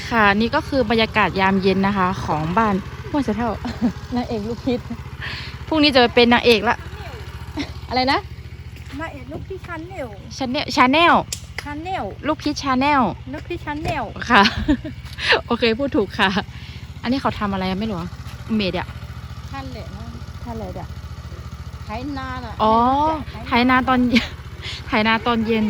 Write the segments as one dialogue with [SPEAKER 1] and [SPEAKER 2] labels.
[SPEAKER 1] ค่ะนี่ก็คือบรรยากาศยามเย็นนะคะ ของบ้านห้วยเสะเท่า นางเอกลูกพิษพรุ่งนี้จะไปเป็นนางเอกละอะไรนะ
[SPEAKER 2] นางเอกลูกพี่ชันเนล
[SPEAKER 1] ชาแนลชาแนลลูกพิษชาแนล
[SPEAKER 2] ลูกพี่ชันเนล
[SPEAKER 1] ค่ะ โอเคพูดถูกค่ะ อันนี้เขาทำอะไรไม่รู้เมดอะ
[SPEAKER 2] ท่านเลยนะ
[SPEAKER 1] ท่านเลยอะ
[SPEAKER 2] ไถนาอ่ะ
[SPEAKER 1] อ๋อไถนาตอน ไถนาตอนเย็น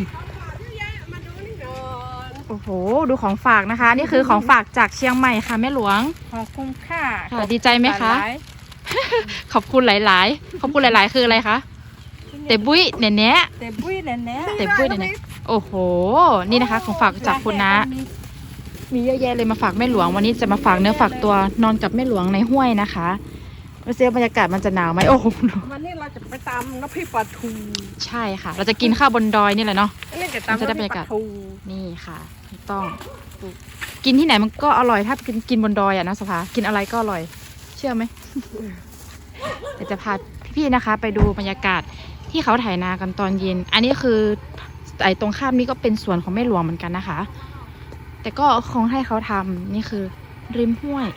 [SPEAKER 1] โอ้โหดูของฝากนะคะนี่คือของฝากจากเชียงใหม่ค่ะแม่หลวง
[SPEAKER 2] ขอบคุณค่ะ
[SPEAKER 1] ค่ะดีใจไหมคะขอบคุณหลายๆขอบคุณหลายๆคืออะไรคะเตบุ้ยเน่เน่
[SPEAKER 2] เตบุ้ยเน่เน่
[SPEAKER 1] เตบุ้ยเน่เน่โอ้โหนี่นะคะของฝากจากคุณนะมีเยอะแยะเลยมาฝากแม่หลวงวันนี้จะมาฝากเนื้อฝากตัวนอนกับแม่หลวงในห้วยนะคะไม่รู้บรรยากาศมันจะหนาวไหมโอ้โห
[SPEAKER 2] วันนี้เราจะไปตามน้ำพริกปลาทู
[SPEAKER 1] ใช่ค่ะเราจะกินข้าวบนดอยนี่แหละเนาะ
[SPEAKER 2] จะได้บรรยากาศ
[SPEAKER 1] นี่ค่ะต้องกินที่ไหนมันก็อร่อยถ้ากินบนดอยอะนะสภากินอะไรก็อร่อยเชื่อไหม เดี๋ยวจะพาพี่ๆนะคะ ไปดูบรรยากาศที่เขาไถนากันตอนเย็นอันนี้คือไอ้ตรงข้ามนี้ก็เป็นสวนของแม่หลวงเหมือนกันนะคะแต่ก็คงให้เขาทำนี่คือริมห้วย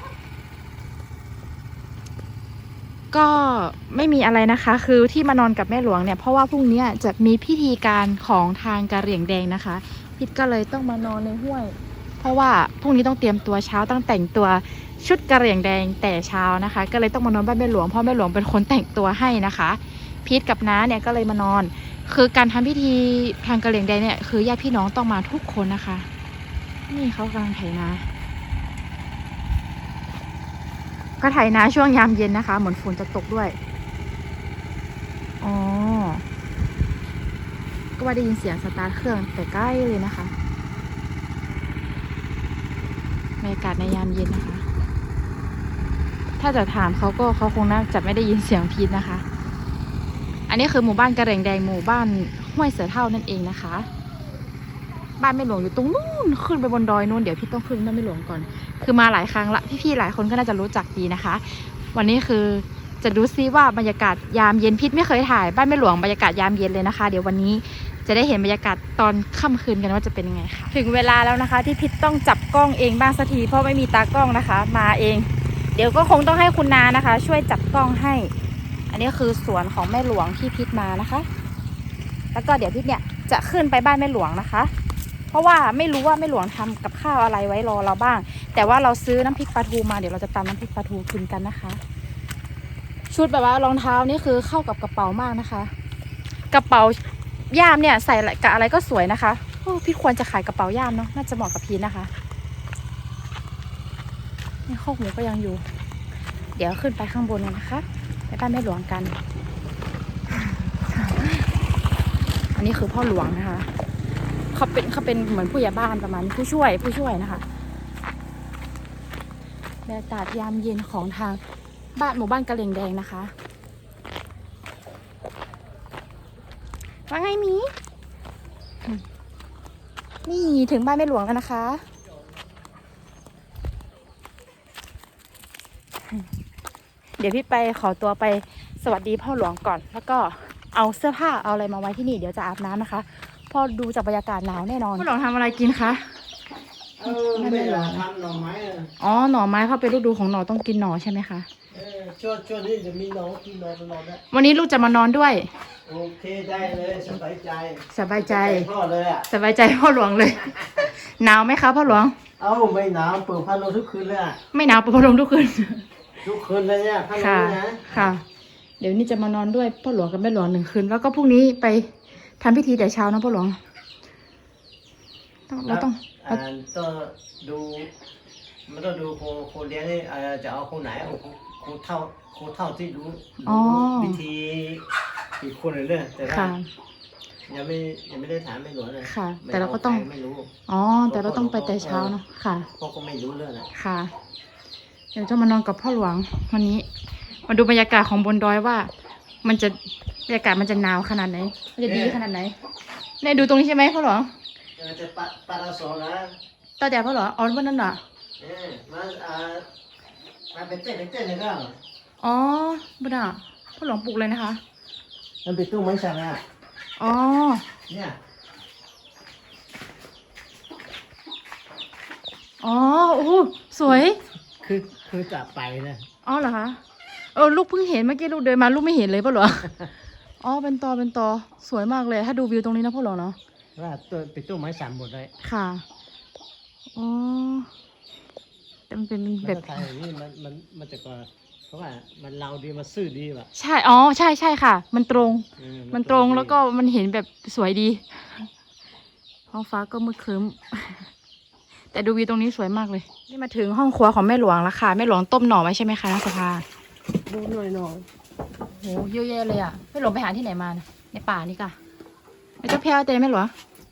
[SPEAKER 1] ก็ไม่มีอะไรนะคะคือที่มานอนกับแม่หลวงเนี่ยเพราะว่าพรุ่งนี้จะมีพิธีการของทางกะเหรี่ยงแดงนะคะพิดก็เลยต้องมานอนในห้วยเพราะว่าพรุ่งนี้ต้องเตรียมตัวเช้าต้องแต่งตัวชุดกะเหรี่ยงแดงแต่เช้านะคะก็เลยต้องมานอนบ้านแม่หลวงเพราะแม่หลวงเป็นคนแต่งตัวให้นะคะพิดกับน้าเนี่ยก็เลยมานอนคือการทำพิธีทางกะเหรี่ยงแดงเนี่ยคือญาติพี่น้องต้องมาทุกคนนะคะนี่เขากำลังไถนาก็ไถนาช่วงยามเย็นนะคะเหมือนฝนจะตกด้วยอ๋อก็ว่าได้ยินเสียงสตาร์ทเครื่องแต่ใกล้เลยนะคะบรรยากาศในยามเย็นนะคะถ้าจะถามเขาคงน่าจะไม่ได้ยินเสียงพีทนะคะอันนี้คือหมู่บ้านกระเหรี่ยงแดงหมู่บ้านห้วยเสือเท่านั่นเองนะคะบ้านแม่หลวงอยู่ตรงนู้นขึ้นไปบนดอยนู้นเดี๋ยวพี่ต้องขึ้นบ้านแม่หลวงก่อนคือมาหลายครั้งละพี่ๆหลายคนก็น่าจะรู้จักดีนะคะวันนี้คือจะดูซิว่าบรรยากาศยามเย็นพิษไม่เคยถ่ายบ้านแม่หลวงบรรยากาศยามเย็นเลยนะคะเดี๋ยววันนี้จะได้เห็นบรรยากาศตอนค่ำคืนกันว่าจะเป็นยังไงค่ะถึงเวลาแล้วนะคะที่พิษต้องจับกล้องเองบ้างสักทีเพราะไม่มีตากล้องนะคะมาเองเดี๋ยวก็คงต้องให้คุณนานะคะช่วยจับกล้องให้อันนี้คือสวนของแม่หลวงที่พิษมานะคะแล้วก็เดี๋ยวพิษเนี่ยจะขึ้นไปบ้านแม่หลวงนะคะเพราะว่าไม่รู้ว่าแม่หลวงทำกับข้าวอะไรไว้รอเราบ้างแต่ว่าเราซื้อน้ำพริกปลาทูมาเดี๋ยวเราจะตำน้ำพริกปลาทูกินกันนะคะชุดแบบว่ารองเท้านี่คือเข้ากับกระเป๋ามากนะคะกระเป๋าย่ามเนี่ยใส่กับอะไรก็สวยนะคะโอ้พี่ควรจะขายกระเป๋าย่ามเนาะน่าจะเหมาะกับพีนะคะนี่ข้อหูก็ยังอยู่เดี๋ยวขึ้นไปข้างบนกันนะคะไปบ้านแม่หลวงกันอันนี้คือพ่อหลวงนะคะเขาเป็นเหมือนผู้ใหญ่บ้านประมาณผู้ช่วยนะคะบรรยากาศยามเย็นของทางบ้านหมู่บ้านกะเหรี่ยงแดงนะคะว่าไงมีนี่ถึงบ้านแม่หลวงแล้วนะคะเดี๋ยวพี่ไปขอตัวไปสวัสดีพ่อหลวงก่อนแล้วก็เอาเสื้อผ้าเอาอะไรมาไว้ที่นี่เดี๋ยวจะอาบน้ำนะคะพอดูจากบรรยากาศหนาวแน่นอนพ่อหลวงทำอะไรกินคะ
[SPEAKER 3] ไม่หรอกทำหน่อไม้
[SPEAKER 1] อ๋อหน่อไม้เพราะเป็นฤดูของหน่อต้องกินหน่อใช่ไหมคะ
[SPEAKER 3] ช่วงนี้จะมีหน่อกินหน่อตลอดนะ
[SPEAKER 1] วันนี้ลูกจะมานอนด้วย
[SPEAKER 3] โอเคได้เลยสบายใจพ่อเลยอ่ะ
[SPEAKER 1] สบายใจพ่อหลวงเลยหนาวไหมคะพ่อหลวง
[SPEAKER 3] ไม่หนาวเปิดพัดลมทุกคืนเลยอ่ะ
[SPEAKER 1] ไม่หนาวเปิดพัดลมทุกคืน
[SPEAKER 3] เลยเนี่ยพัดลมนะ
[SPEAKER 1] ค่ะเดี๋ยวนี้จะมานอนด้วยพ่อหลวงกับแม่หลวง1 คืนแล้วก็พรุ่งนี้ไปทำพิธีแต่เช้านะพ่อหลวงเราต้อง
[SPEAKER 3] ดูมันต้องดูครูเลี้ยงนี่จะเอาคนไหนครูเท่าที่รู้วิธีอีกคนหนึ่งเลยแต่ว่ายังไม่ได้ถามไม่หลวงเลย
[SPEAKER 1] ค่ะแต่เราก็ต้อง
[SPEAKER 3] ไม่รู้
[SPEAKER 1] แต่เราต้องไปแต่เช้าเนาะค่ะ
[SPEAKER 3] พ่อก็ไม่รู้เรื่องนะ
[SPEAKER 1] ค่ะเดี๋ยวจะมานอนกับพ่อหลวงวันนี้มาดูบรรยากาศของบนดอยว่ามันจะบรรยากาศมันจะหนาวขนาดไหนมันจะดีขนาดไหนเนี่ยดูตรงนี้ใช่ไหมพ่อหลวง
[SPEAKER 3] จะปาราโซนะ
[SPEAKER 1] ต่อจากพ่อหลวงวันนั้นเหรอ
[SPEAKER 3] มาเป็นเต้นเลยก็
[SPEAKER 1] อ๋อบุญอ่ะพ่อหลวงปลูกเลยนะคะ
[SPEAKER 3] มันเป็นตู้ไม้สักอ่ะ
[SPEAKER 1] อ๋อเนี่ยอ๋อโอ้โหสวย
[SPEAKER 3] คือจะไปนะ
[SPEAKER 1] อ๋อเหรอคะลูกเพิ่งเห็นเมื่อกี้ลูกเดินมาลูกไม่เห็นเลยป่ะเหรอ อ๋อเป็นตอสวยมากเลยถ้าดูวิวตรงนี้นะพ่อหรอเนาะ
[SPEAKER 3] ว่าตัวเป็นต้นไม้สามหมดเลย
[SPEAKER 1] ค่ะอ๋อแต่มันเป็น
[SPEAKER 3] แบ
[SPEAKER 1] แบบ บ
[SPEAKER 3] ไทยนี่มันจะก็เพราะว่ามันเราดีมันซื่อดีว่ะ
[SPEAKER 1] ใช่ใช่ค่ะ มันตรง มันตรงแล้วก็มันเห็นแบบสวยดีท้องฟ้าก็มืดครึ้ม แต่ดูวิวตรงนี้สวยมากเลย นี่มาถึงห้องครัวของแม่หลวงแล้วค่ะแม่หลวงต้มหน่อไว้ใช่ไหมคะนักสภา
[SPEAKER 2] ดูหน่อย
[SPEAKER 1] โหเยอะแยะเลยอ่ะแม่หลวงไปหาที่ไหนมานะในป่านี่ก่ะไม่เจ้าแพ้วเต้แม่หลวง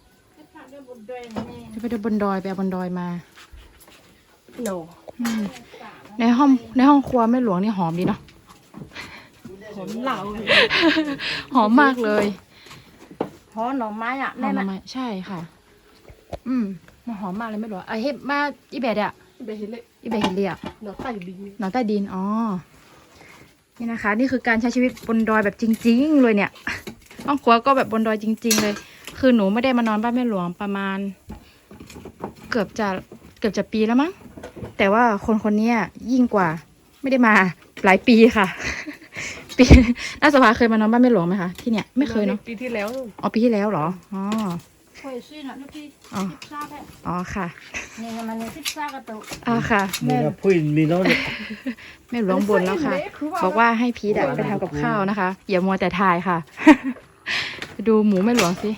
[SPEAKER 1] จะไปดูบนดอยไปเอาบนดอยมา
[SPEAKER 2] โน
[SPEAKER 1] อืมในห้องครัวแม่หลวงนี่หอมดีเนาะ
[SPEAKER 2] ผมเหล่า
[SPEAKER 1] หอมมากเลย
[SPEAKER 2] หอหน่อไม้อ่ะ
[SPEAKER 1] หอ
[SPEAKER 2] แน่
[SPEAKER 1] ม
[SPEAKER 2] นะ
[SPEAKER 1] ไหมใช่ค่ะ มันหอมมากเลยแม่หลวงเฮ็ดมาอีเบดอะ
[SPEAKER 2] ไปเห็นเลย
[SPEAKER 1] อีเบดเห็นเรียก
[SPEAKER 2] หน่อใต้ดิน
[SPEAKER 1] หนอนใต้ดินอ๋อนี่นะคะ นี่คือการใช้ชีวิตบนดอยแบบจริง ๆ เลยเนี่ยห้องครัวก็แบบบนดอยจริง ๆ เลย คือหนูไม่ได้มานอนบ้านแม่หลวงประมาณ เกือบจะปีแล้วมั้งแต่ว่าคนนี้ยิ่งกว่า ไม่ได้มาหลายปีค่ะ ปีน่าสภาเคยมานอนบ้านแม่หลวงไหมคะที่เนี่ยไม่เคยเนาะ
[SPEAKER 2] ปีที่แล้ว
[SPEAKER 1] อ๋อปีที่แล้วเหรออ๋อ
[SPEAKER 2] เคยซื้อนะลูกพี่
[SPEAKER 1] อ๋อ
[SPEAKER 2] ทราบแหละ
[SPEAKER 1] อ๋อค่ะ
[SPEAKER 2] เนี่ยมันเนี่ยทราบกันตัว
[SPEAKER 1] อ๋อค่ะ
[SPEAKER 3] มี
[SPEAKER 1] แม่
[SPEAKER 3] นะพูดมีโน้ต
[SPEAKER 1] แม่หลวงบ่นแล้วค่ะ บอกว่าให้พีทไปทำกับข้าวนะคะ อย่ามัวแต่ถ่ายค่ะ ไปดูหมูแม่หลวงสิ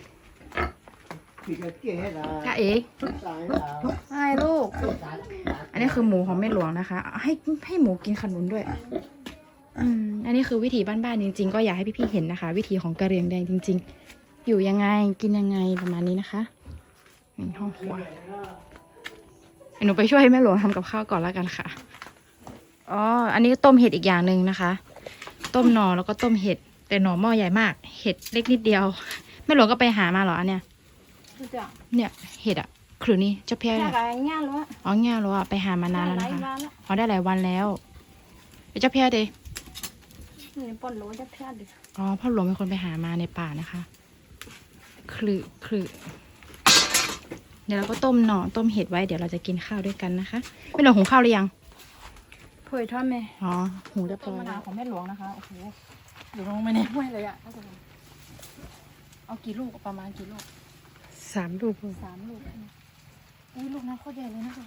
[SPEAKER 1] จ้าเอ๋ให้ลูก อันนี้คือหมูของแม่หลวงนะคะ ให้หมูกินขนุนด้วย อันนี้คือวิถีบ้านๆจริงๆ ก็อยากให้พี่ๆเห็นนะคะ วิถีของกะเหรี่ยงแดงจริง ๆ อยู่ยังไงกินยังไงประมาณนี้นะคะนี่ห้องครัวหนูไปช่วยแม่หลวงทำกับข้าวก่อนแล้วกันค่ะ อ๋อ อันนี้ต้มเห็ดอีกอย่างหนึ่งนะคะ ต้มหน่อแล้วก็ต้มเห็ด แต่หน่อหม้อใหญ่มาก เห็ดเล็กนิดเดียว แม่หลวงก็ไปหามาเหรออันเนี้ย
[SPEAKER 2] รู้จัก
[SPEAKER 1] เนี่ยเห็ดอะคือนี่เจ้าเพี้ย
[SPEAKER 2] แค่
[SPEAKER 1] เนี่ย
[SPEAKER 2] ไรง่ายเลย
[SPEAKER 1] อ๋อเงี้ยเหรออะไปหามานานแล้ว
[SPEAKER 2] ไร
[SPEAKER 1] นะคะ
[SPEAKER 2] มาแล้ว
[SPEAKER 1] อ๋อได้หลายวันแล้วเจ้าเพี้ยเด
[SPEAKER 2] นี่ปนโหลจะแพ้ดิ
[SPEAKER 1] อ๋อพ่อหลวงเป็นคนไปหามาในป่านะคะคลือเดี๋ยวเราก็ต้มหน่อต้มเห็ดไว้เดี๋ยวเราจะกินข้าวด้วยกันนะคะแม่หลวงหุงข้าวหรือยัง
[SPEAKER 2] เผยทอดไหม
[SPEAKER 1] อ๋อหุงเรียบร้
[SPEAKER 2] ต้
[SPEAKER 1] อ
[SPEAKER 2] ม
[SPEAKER 1] ย
[SPEAKER 2] มะ
[SPEAKER 1] แล้
[SPEAKER 2] นาว
[SPEAKER 1] ว
[SPEAKER 2] ของแม่หลวงนะคะโอ้โห
[SPEAKER 1] อยู่ลงไปในห้วยเลยอะเอากี่ลูกประมาณกี่ลูก
[SPEAKER 2] 3 ลูก
[SPEAKER 1] 3 ลูกอุ้ยลูกนั้นโคตรใหญ่เลยนะคะ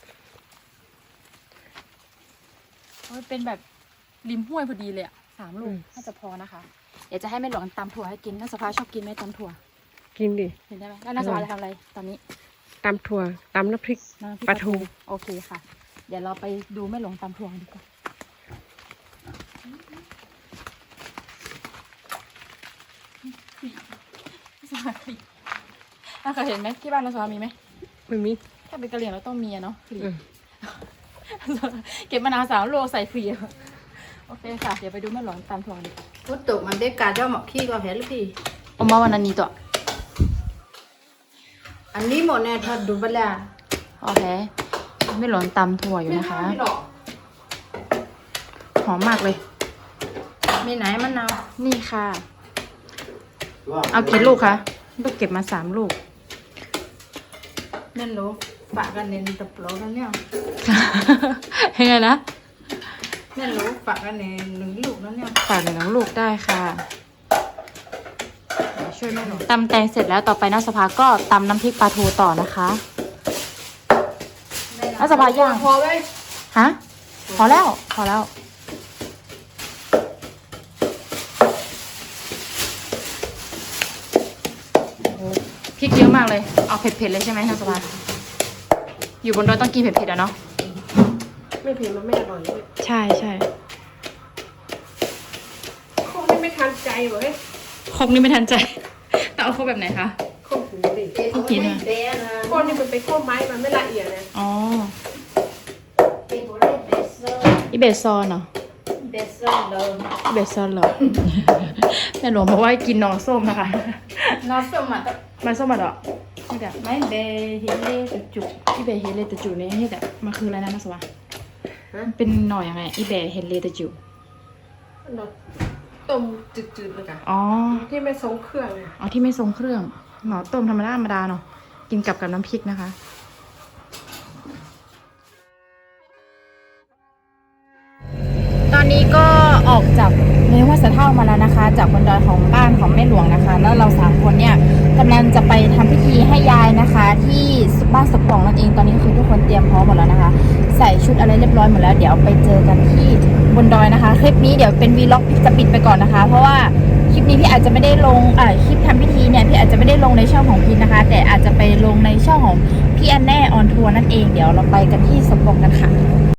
[SPEAKER 1] โอ้ยเป็นแบบริมห้วยพอดีเลยอะ3 ลูกน่าจะพอนะคะเดี๋ยวจะให้แม่หลวงตำถั่วให้กินน้าสภาชอบกินไหมตำถั่ว
[SPEAKER 2] กินดิ
[SPEAKER 1] เห็นได้ไหมแล้วน้าสภาจะทำอะไรตอนนี้
[SPEAKER 2] ตำถั่วตำน้ำพริก
[SPEAKER 1] น้ำพริก
[SPEAKER 2] ปลาทู
[SPEAKER 1] โอเคค่ะ เดี๋ยวเราไปดูแม่หลวงตำถั่วกันดีกว่าสวัสดีน่าเคยเห็นไหมที่บ้านน้าสภามีไหม
[SPEAKER 2] ไม่มี
[SPEAKER 1] ถ้าเป็นกะเหรี่ยงเราต้องมีอะเนาะฟรี
[SPEAKER 2] อืม
[SPEAKER 1] เก็บมะนาว3 โลใส่ฟรีอะโอเคค่ะ เดี๋ยวไปดูแม่หลวงตำถั่วกันดีกว่า
[SPEAKER 2] พุทธมันได้การเจ้าหมอกขี้ก็เห็นลูกพี่
[SPEAKER 1] เอามาวันนั้นนี้ตัว
[SPEAKER 2] อันนี้หมดเนี่ยทอดดูบลา
[SPEAKER 1] โอเคแม่หลวงตำถั่วอยู่นะคะ
[SPEAKER 2] ไม่หรอก
[SPEAKER 1] หอมมากเลย
[SPEAKER 2] มีไหนมะนาว
[SPEAKER 1] นี่ค่ะ เอากี่ลูกคะลูกเก็บมา3 ลูก
[SPEAKER 2] นั่นรู้ปะกันเน้นตะปลอกันเนี่ย
[SPEAKER 1] ยังไงนะ
[SPEAKER 2] นั่นรู้ปะกันเน้น1 ลูกนั่นเนี่ย
[SPEAKER 1] ฝากหนึ่งลูกได้ค่ะ
[SPEAKER 2] ช่วยแม่หน่อย
[SPEAKER 1] ตำแตงเสร็จแล้วต่อไปน้าสภาก็ตำน้ำพริกปลาทูต่อนะคะน้าสภาย่าง
[SPEAKER 2] พอไหม
[SPEAKER 1] ฮะพอแล้วโอ้พริกเยอะมากเลยเอาเผ็ดๆเลยใช่ไหมน้าสภาอยู่บนดอยต้องกินเผ็ดๆอะเนาะ
[SPEAKER 2] ไม่เผ็ดมันไม่อร่อยเลย
[SPEAKER 1] ใช่
[SPEAKER 2] คงไม่ทันใจเว้ย
[SPEAKER 1] ครกนี่ไม่ทันใจ แต่เอาครกแบบไหนคะ
[SPEAKER 2] คงหูดิ
[SPEAKER 1] ครกหินอะ
[SPEAKER 2] ก้อนนี่มันเป็นข้อไม้มันไม่ละเอียดนะ
[SPEAKER 1] อ๋ออีเบสซอนเหรอ
[SPEAKER 2] เบสเซอร์เลย
[SPEAKER 1] อีเบสซอนเหรอ แม่หลวงบอกว่าให้กินหนอส้มนะคะ
[SPEAKER 2] นอสสมัติ
[SPEAKER 1] มันส้มอ่ะเหรอนี่แต่
[SPEAKER 2] ไม่เบฮิเล่จุก
[SPEAKER 1] อีเบเฮเลตจูนี่นี่แต่มันคืออะไรนะนักสวะมันเป็นหน่อยังไงอีเบเฮเลตจู
[SPEAKER 2] นอต้มจืดๆเลยค่ะ
[SPEAKER 1] อ๋อ
[SPEAKER 2] ที่ไม่ทรงเครื่องอ่ะ
[SPEAKER 1] อ๋อที่ไม่ทรงเครื่องหน่อต้มธรรมดาเนาะกินกับน้ำพริกนะคะออกจากในห้วยสะเท่ามาแล้วนะคะ จากบนดอยของบ้านของแม่หลวงนะคะ แล้วเรา3คนเนี่ยกำลังจะไปทำพิธีให้ยายนะคะ ที่บ้านสปองนั่นเองตอนนี้คือทุกคนเตรียมพร้อมหมดแล้วนะคะ ใส่ชุดอะไรเรียบร้อยหมดแล้วเดี๋ยวไปเจอกันที่บนดอยนะคะ คลิปนี้เดี๋ยวเป็นวีล็อกจะปิดไปก่อนนะคะ เพราะว่าคลิปนี้พี่อาจจะไม่ได้ลงคลิปทำพิธีเนี่ยพี่อาจจะไม่ได้ลงในช่องของพี่นะคะ แต่อาจจะไปลงในช่องของพี่อันแน่ออนทัวร์นั่นเองเดี๋ยวเราไปกันที่สปองกันค่ะ